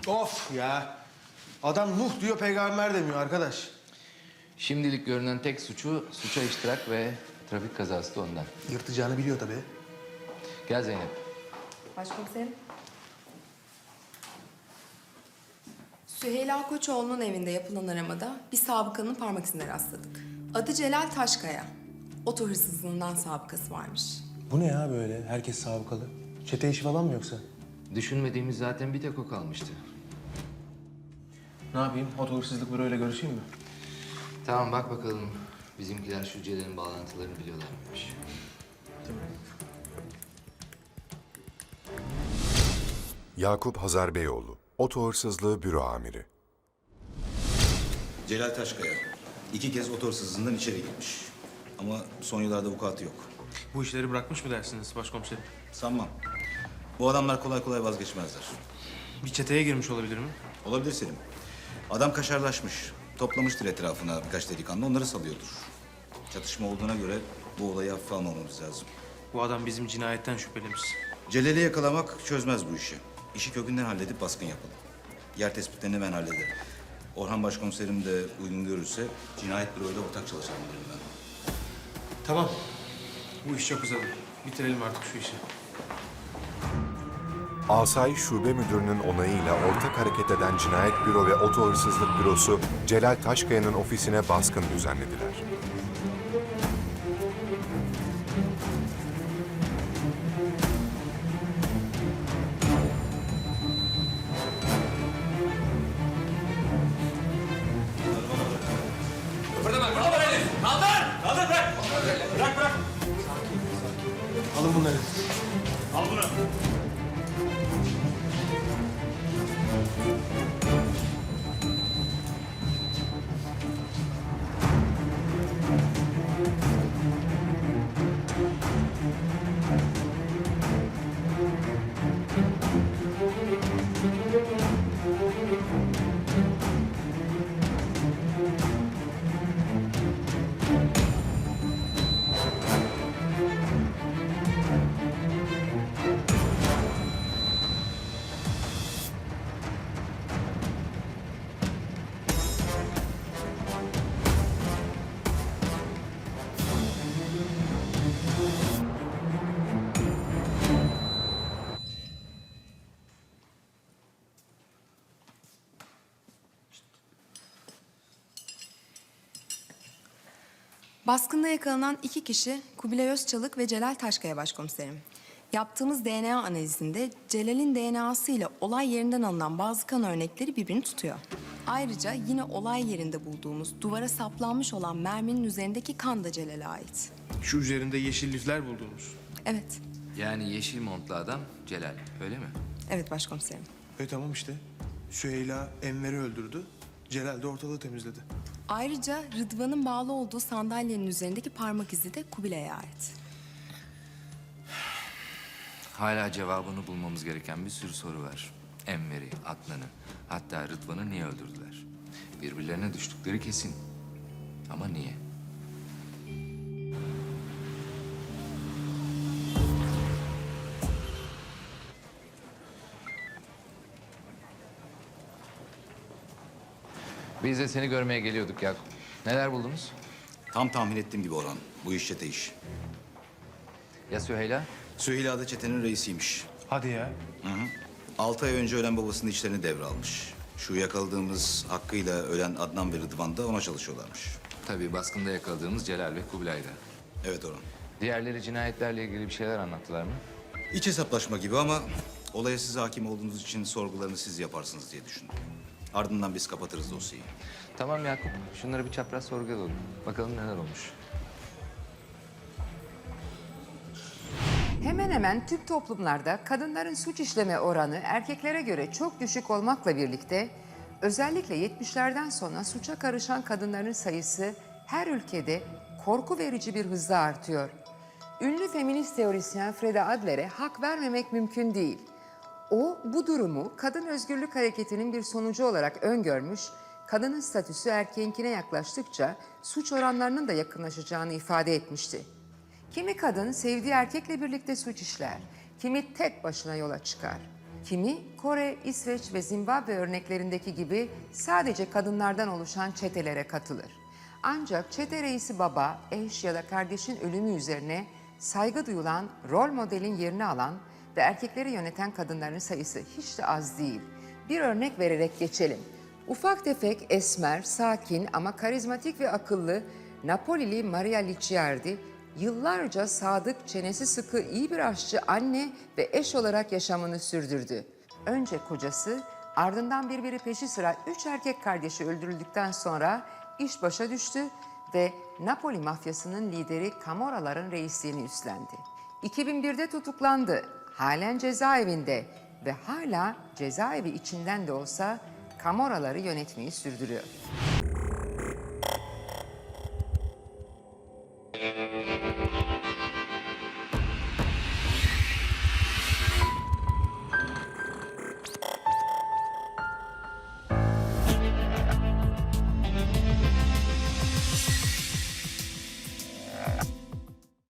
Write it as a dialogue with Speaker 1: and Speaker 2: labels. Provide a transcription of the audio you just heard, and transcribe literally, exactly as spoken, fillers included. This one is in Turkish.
Speaker 1: Of ya. Adam Nuh diyor, peygamber demiyor arkadaş.
Speaker 2: Şimdilik görünen tek suçu suça iştirak ve trafik kazası da ondan.
Speaker 1: Yırtacağını biliyor tabii.
Speaker 2: Gel Zeynep.
Speaker 3: Başkomiserim. Süheyla Koçoğlu'nun evinde yapılan aramada bir sabıkanın parmak izine rastladık. Adı Celal Taşkaya. Oto hırsızlığından sabıkası varmış.
Speaker 1: Bu ne ya böyle? Herkes sabıkalı. Çete işi falan mı yoksa?
Speaker 2: Düşünmediğimiz zaten bir tek o kalmıştı.
Speaker 1: Ne yapayım? Oto hırsızlık büroyla görüşeyim mi?
Speaker 2: Tamam bak bakalım bizimkiler şu Celal'in bağlantılarını biliyorlar mıymış?
Speaker 4: Yakup Hazar Beyoğlu, Oto Hırsızlığı Büro Amiri.
Speaker 5: Celal Taşkaya iki kez oto hırsızlığından içeri girmiş. Ama son yıllarda vukuatı yok.
Speaker 1: Bu işleri bırakmış mı dersiniz başkomiserim?
Speaker 5: Sanmam. Bu adamlar kolay kolay vazgeçmezler.
Speaker 1: Bir çeteye girmiş olabilir mi?
Speaker 5: Olabilir Selim. Adam kaşarlaşmış. Toplamıştır etrafına birkaç delikanlı, onları salıyordur. Çatışma olduğuna göre bu olayı hafife almamamız lazım.
Speaker 1: Bu adam bizim cinayetten şüphelimiz.
Speaker 5: Celal'i yakalamak çözmez bu işi. İşi kökünden halledip baskın yapalım. Yer tespitlerini ben hallederim. Orhan başkomiserim de uygun görürse cinayet büroyla ortak çalışalım derim ben.
Speaker 1: Tamam. Bu iş çok uzadı. Bitirelim artık şu işi.
Speaker 4: Asayiş Şube Müdürü'nün onayıyla ortak hareket eden Cinayet Büro ve Oto Hırsızlık Bürosu, Celal Taşkaya'nın ofisine baskın düzenlediler.
Speaker 1: Alın bunları.
Speaker 3: Baskında yakalanan iki kişi Kubilay Özçalık ve Celal Taşkaya başkomiserim. Yaptığımız D N A analizinde Celal'in D N A'sı ile olay yerinden alınan bazı kan örnekleri birbirini tutuyor. Ayrıca yine olay yerinde bulduğumuz duvara saplanmış olan merminin üzerindeki kan da Celal'e ait.
Speaker 1: Şu üzerinde yeşil lifler bulduğumuz.
Speaker 3: Evet,
Speaker 2: Yani yeşil montlu adam Celal öyle mi?
Speaker 3: evet başkomiserim.
Speaker 1: E tamam işte. Süheyla Enver'i öldürdü. Celal de ortalığı temizledi.
Speaker 3: Ayrıca Rıdvan'ın bağlı olduğu sandalyenin üzerindeki parmak izi de Kubilay'a ait.
Speaker 2: Hala cevabını bulmamız gereken bir sürü soru var. Enver'i, Adnan'ı, hatta Rıdvan'ı niye öldürdüler? Birbirlerine düştükleri kesin. Ama niye? Biz de seni görmeye geliyorduk Yakup. Neler buldunuz?
Speaker 5: Tam tahmin ettiğim gibi Orhan. Bu iş çete iş.
Speaker 2: Ya Süheyla?
Speaker 5: Süheyla da çetenin reisiymiş.
Speaker 1: Hadi ya.
Speaker 5: Hı hı. Altı ay önce ölen babasının işlerini devralmış. Şu yakaladığımız Hakkı'yla ölen Adnan ve Rıdvan da ona çalışıyorlarmış.
Speaker 2: Tabii baskında yakaladığımız Celal ve Kubilay'da.
Speaker 5: Evet Orhan.
Speaker 2: Diğerleri cinayetlerle ilgili bir şeyler anlattılar mı?
Speaker 5: İç hesaplaşma gibi ama olaya siz hakim olduğunuz için sorgularını siz yaparsınız diye düşündüm. Ardından biz kapatırız dosyayı.
Speaker 2: Tamam Yakup, şunları bir çapraz sorgulayalım. Bakalım neler olmuş.
Speaker 6: Hemen hemen tüm toplumlarda kadınların suç işleme oranı erkeklere göre çok düşük olmakla birlikte özellikle yetmişlerden sonra suça karışan kadınların sayısı her ülkede korku verici bir hızla artıyor. Ünlü feminist teorisyen Freda Adler'e hak vermemek mümkün değil. O bu durumu kadın özgürlük hareketinin bir sonucu olarak öngörmüş, kadının statüsü erkeğinkine yaklaştıkça suç oranlarının da yakınlaşacağını ifade etmişti. Kimi kadın sevdiği erkekle birlikte suç işler, kimi tek başına yola çıkar. Kimi Kore, İsveç ve Zimbabwe örneklerindeki gibi sadece kadınlardan oluşan çetelere katılır. Ancak çete reisi baba, eş ya da kardeşin ölümü üzerine saygı duyulan rol modelin yerini alan ve erkekleri yöneten kadınların sayısı hiç de az değil. Bir örnek vererek geçelim. Ufak tefek, esmer, sakin ama karizmatik ve akıllı Napolili Maria Licciardi yıllarca sadık, çenesi sıkı, iyi bir aşçı, anne ve eş olarak yaşamını sürdürdü. Önce kocası, ardından birbiri peşi sıra üç erkek kardeşi öldürüldükten sonra iş başa düştü ve Napoli mafyasının lideri Camorraların reisliğini üstlendi. iki bin birde tutuklandı, halen cezaevinde ve hala cezaevi içinden de olsa Camorraları yönetmeyi sürdürüyor.